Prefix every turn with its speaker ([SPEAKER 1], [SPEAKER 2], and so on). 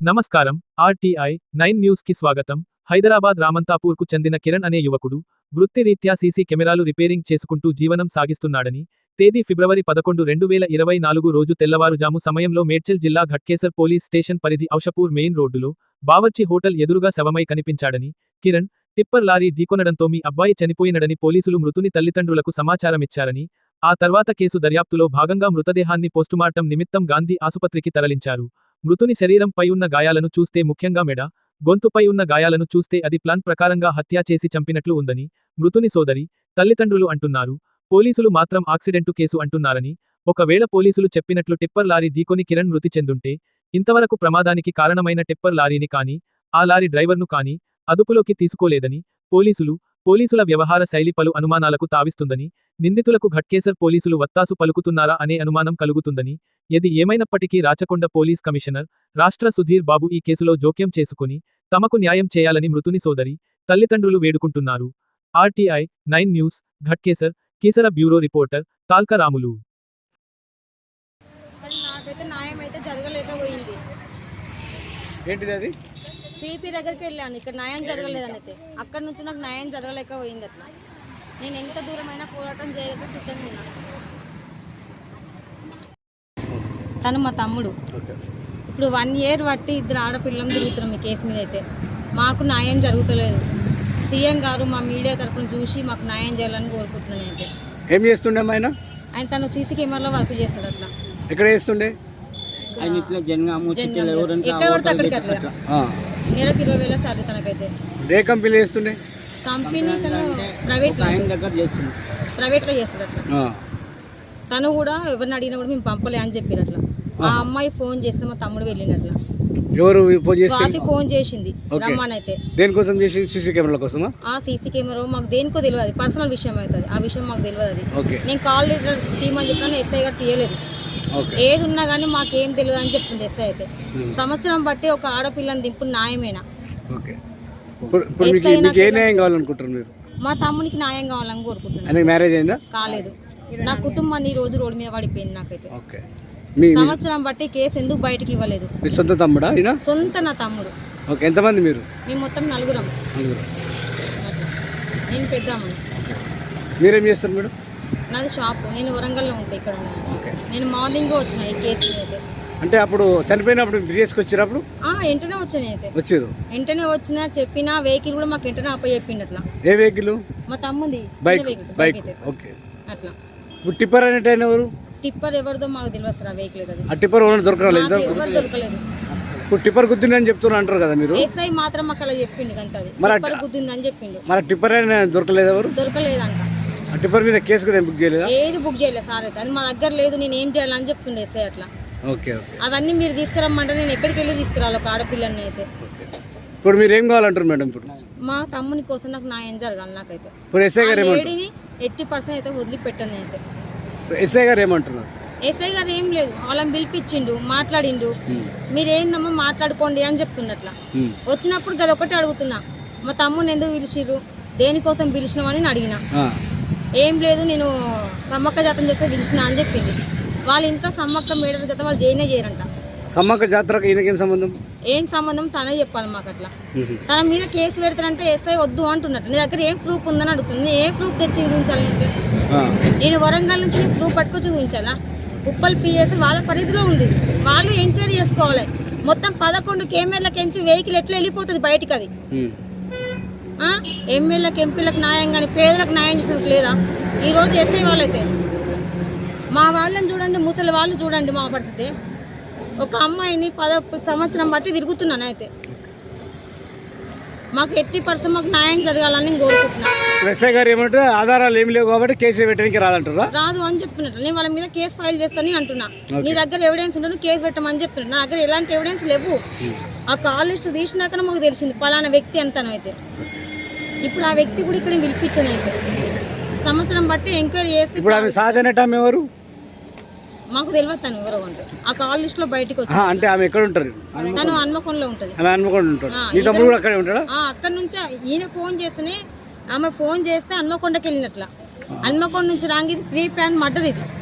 [SPEAKER 1] నమస్కారం. RTI 9 news కి స్వాగతం. హైదరాబాద్ రామంతాపూర్కు చెందిన కిరణ్ అనే యువకుడు వృత్తిరీత్యా సీసీ కెమెరాలు రిపేరింగ్ చేసుకుంటూ జీవనం సాగిస్తున్నాడని, తేదీ ఫిబ్రవరి 11, 2024 రోజు తెల్లవారుజాము సమయంలో మేడ్చల్ జిల్లా ఘట్కేసర్ పోలీస్ స్టేషన్ పరిధి ఔషపూర్ మెయిన్ రోడ్డులో బావర్చి హోటల్ ఎదురుగా శవమై కనిపించాడని, కిరణ్ టిప్పర్ లారీ ఢీకొనడంతో మీ అబ్బాయి చనిపోయినడని పోలీసులు మృతుని తల్లిదండ్రులకు సమాచారమిచ్చారని, ఆ తర్వాత కేసు దర్యాప్తులో భాగంగా మృతదేహాన్ని పోస్టుమార్టం నిమిత్తం గాంధీ ఆసుపత్రికి తరలించారు. మృతుని శరీరంపై ఉన్న గాయాలను చూస్తే ముఖ్యంగా మెడ, గొంతుపై ఉన్న గాయాలను చూస్తే అది ప్లాన్ ప్రకారంగా హత్య చేసి చంపినట్లు ఉందని మృతుని సోదరి, తల్లిదండ్రులు అంటున్నారు. పోలీసులు మాత్రం యాక్సిడెంటు కేసు అంటున్నారని, ఒకవేళ పోలీసులు చెప్పినట్లు టిప్పర్ లారీ ఢీకొని కిరణ్ మృతి చెందుంటే, ఇంతవరకు ప్రమాదానికి కారణమైన టిప్పర్ లారీని కానీ, ఆ లారీ డ్రైవర్ను కానీ అదుపులోకి తీసుకోలేదని, పోలీసుల వ్యవహార శైలి పలు అనుమానాలకు తావిస్తుందని, నిందితులకు ఘట్కేసర్ పోలీసులు వత్తాసు పలుకుతున్నారా అనే అనుమానం కలుగుతుందని, ఏది ఏమైనప్పటికీ రాచకొండ పోలీస్ కమిషనర్ రాష్ట్ర సుధీర్ బాబు ఈ కేసులో జోక్యం చేసుకుని తమకు న్యాయం చేయాలని మృతుని సోదరి, తల్లిదండ్రులు వేడుకుంటున్నారు. RTI 9 news, Ghatkesar, Keesara bureau reporter Talka Ramulu.
[SPEAKER 2] ఏంటిది అది?
[SPEAKER 3] సిపి దగ్గరికి వెళ్ళాను, ఇక్కడ న్యాయం జరగలేదని అయితే అక్కడ నుంచి నాకు న్యాయం జరగలేకపోయింది. అట్లా నేను ఎంత దూరమైనా పోరాటం చేయలేక సిద్ధంగా ఉన్నాను. తను మా తమ్ముడు. ఇప్పుడు 1 year బట్టి ఇద్దరు ఆడపిల్లం తిరుగుతున్నాం ఈ కేసు మీద. అయితే మాకు న్యాయం జరుగుతలేదు. సీఎం గారు మా మీడియా తరఫున చూసి మాకు న్యాయం చేయాలని కోరుకుంటున్నాను. అయితే
[SPEAKER 2] ఏం చేస్తుండే ఆయన?
[SPEAKER 3] తను సీసీ కెమెరాలో వర్క్ చేస్తాడు. అట్లా
[SPEAKER 2] ఎక్కడ చేస్తుండే?
[SPEAKER 3] ఎక్కడ పడితే అక్కడికి అట్లా నెలకు 20,000 సార్ తనకైతే.
[SPEAKER 2] ఏ కంపెనీ చేస్తుండే?
[SPEAKER 3] కంపెనీ తను ప్రైవేట్లో చేస్తాడు. అట్లా తను కూడా ఎవరిని అడిగినా కూడా మేము పంపలే అని చెప్పారు. అట్లా ఆ అమ్మాయి ఫోన్ చేస్తే మా తమ్ముడు వెళ్ళినట్లా.
[SPEAKER 2] ఎవరు ఫోన్ చేసి?
[SPEAKER 3] స్వాతి ఫోన్ చేసింది రమ్మని. అయితే
[SPEAKER 2] దేనికోసం చేసి? సీసీ కెమెరాల కోసమా?
[SPEAKER 3] ఆ సీసీ కెమెరా మాకు దేనికో తెలియదు, పర్సనల్ విషయం అవుతుంది. ఆ విషయం మాకు తెలియదు. అది నేను కాల్ లెటర్ తీయమని చెప్పినా ఎస్ఐ గారు తీయలేదు. ఏది ఉన్నా కానీ మాకేం తెలియదు అని చెప్తుంది ఎస్ఐ. అయితే సంవత్సరం బట్టి ఒక ఆడపిల్లని దింపు న్యాయమేనా? మా తమ్మునికి న్యాయం కావాలని కోరుకుంటున్నాను.
[SPEAKER 2] మ్యారేజ్ అయిందా?
[SPEAKER 3] కాలేదు. నా కుటుంబాన్ని ఈ రోజు రోడ్డు మీద పడిపోయింది. నాకైతే సంవత్సరం బట్టి కేసు ఎందుకు బయటకి ఇవ్వలేదు?
[SPEAKER 2] సొంత తమ్ముడా?
[SPEAKER 3] సొంత నా తమ్ముడు.
[SPEAKER 2] ఎంతమంది మీరు?
[SPEAKER 3] మేము మొత్తం 4. నేను పెద్దామని.
[SPEAKER 2] మీరేం చేస్తారు మేడం?
[SPEAKER 3] నాది షాప్. నేను వరంగల్లో ఉంటాయి. ఇక్కడ నేను మార్నింగ్ వచ్చిన ఈ కేసు అయితే.
[SPEAKER 2] అంటే అప్పుడు చనిపోయినప్పుడు తీసుకొచ్చినప్పుడు
[SPEAKER 3] వెంటనే వచ్చాను. అయితే
[SPEAKER 2] వచ్చారు,
[SPEAKER 3] వెంటనే వచ్చినా చెప్పిన వెహికల్ కూడా మాకు వెంటనే అప్ప చెప్పిండు. అట్లా
[SPEAKER 2] ఏ వెహికల్?
[SPEAKER 3] మా తమ్ముంది
[SPEAKER 2] బైక్. ఓకే.
[SPEAKER 3] అట్లా
[SPEAKER 2] టిప్పర్ అనేట ఎవరు?
[SPEAKER 3] టిప్పర్ ఎవరిదో మాకు తెలియదు. ఆ వెహికల్ అది.
[SPEAKER 2] ఆ టిప్పర్ దొరకలేదు.
[SPEAKER 3] దొరకలేదు.
[SPEAKER 2] ఇప్పుడు టిప్పర్ గుద్దిందని చెప్తున్నా అంటారు కదా మీరు?
[SPEAKER 3] ఎస్ఐ మాత్రం మాకు అలా చెప్పిండు. కంటే టిప్పర్ గుద్దిందని చెప్పిండు.
[SPEAKER 2] మరి టిప్పర్ దొరకలేదు. ఎవరు?
[SPEAKER 3] దొరకలేదంట.
[SPEAKER 2] ఆ టిప్పర్ మీద కేసు కదా బుక్ చేయలేదా?
[SPEAKER 3] ఏది బుక్ చేయలేదు సార్. అయితే అది మా దగ్గర లేదు. నేను ఏం చేయాలని చెప్తుండే ఎస్ఐ. అట్లా
[SPEAKER 2] ఓకే.
[SPEAKER 3] అవన్నీ మీరు తీసుకురమ్మంటే నేను ఎక్కడికి వెళ్ళి తీసుకురాలి ఒక ఆడపిల్లని? అయితే
[SPEAKER 2] ఇప్పుడు మీరు ఏం కావాలంటారు మేడం? ఇప్పుడు
[SPEAKER 3] మా తమ్ముని కోసం నాకు న్యాయం జరగాలి. నాకైతే
[SPEAKER 2] ఇప్పుడు ఎస్ఐ గారు
[SPEAKER 3] 80% అయితే వదిలిపెట్టాను. అయితే
[SPEAKER 2] ఎస్ఐ గారు ఏమంటున్నారు?
[SPEAKER 3] ఎస్ఐ గారు ఏం లేదు, వాళ్ళని పిలిపించిండు, మాట్లాడిండు. మీరేందమ్మా మాట్లాడుకోండి అని చెప్తున్నట్లా. వచ్చినప్పుడు గది ఒకటి అడుగుతున్నా, మా తమ్ముని ఎందుకు పిలిచిర్రు, దేనికోసం పిలిచినామని నేను అడిగిన. ఏం లేదు, నేను సమ్మక్క జాతర చేస్తే పిలిచిన అని చెప్పింది. వాళ్ళ ఇంట్లో సమ్మక్క మేడల జత వాళ్ళు చేయరంట.
[SPEAKER 2] సమ్మక్క జాతరకు ఈయనకేం సంబంధం?
[SPEAKER 3] ఏం సంబంధం తనే చెప్పాలి మాకు. అట్లా తన మీద కేసు పెడతానంటే ఎస్ఐ వద్దు అంటున్నట్టు. నీ దగ్గర ఏం ప్రూఫ్ ఉందని అడుగుతుంది. నేను ఏ ప్రూఫ్ తెచ్చి చూపించాలి? నేను వరంగల్ నుంచి ప్రూఫ్ పట్టుకొచ్చి చూపించాలా? ఉప్పల్ పిఎస్ వాళ్ళ పరిధిలో ఉంది, వాళ్ళు ఎంక్వైరీ చేసుకోవాలి. మొత్తం 11 కెమెరాలకించి వెహికల్ ఎట్లా వెళ్ళిపోతుంది బయటికి? అది ఎమ్మెల్యేలకు ఎంపీలకు న్యాయం కానీ పేదలకు న్యాయం చేసినట్టు లేదా? ఈరోజు ఎస్ఐ వాళ్ళైతే మా వాళ్ళని చూడండి, ముసలి వాళ్ళు చూడండి. మా పరిస్థితి ఒక అమ్మాయిని 10 సంవత్సరం బట్టి తిరుగుతున్నాను. అయితే మాకు 80% మాకు న్యాయం జరగాలని కోరుకుంటున్నాను.
[SPEAKER 2] ఎస్ఐ గారు ఏమంటారు? ఆధారాలు ఏమి లేవు కాబట్టి కేసు పెట్టడానికి రాదంటారా?
[SPEAKER 3] రాదు అని చెప్తున్నట్టు. నేను వాళ్ళ మీద కేసు ఫైల్ చేస్తాను అంటున్నా. నీ దగ్గర ఎవిడెన్స్ ఉంటే కేసు పెట్టమని చెప్తున్నా. నా దగ్గర ఎలాంటి ఎవిడెన్స్ లేవు. ఆ కాల్ లిస్ట్ తీసినాకనే మాకు తెలిసింది పలానా వ్యక్తి అంతను. అయితే ఇప్పుడు ఆ వ్యక్తి కూడా ఇక్కడ పిలిపించాను. అయితే సంవత్సరం బట్టి ఎంక్వైరీ చేసి
[SPEAKER 2] ఇప్పుడు ఆమె సాధనటం ఎవరు
[SPEAKER 3] మాకు తెలియదు. తను ఎవరో అంటే ఆ కాల్ లిస్ట్ లో బయటకు వచ్చి.
[SPEAKER 2] అంటే ఆమె ఎక్కడ ఉంటారు?
[SPEAKER 3] తను హన్మకొండలో ఉంటది. అక్కడ నుంచి ఈయన ఫోన్ చేస్తేనే ఆమె ఫోన్ చేస్తే హన్మకొండకి వెళ్ళినట్ల. హన్మకొండ నుంచి రాంగి ప్రీ ప్లాన్ మర్డర్ ఇది.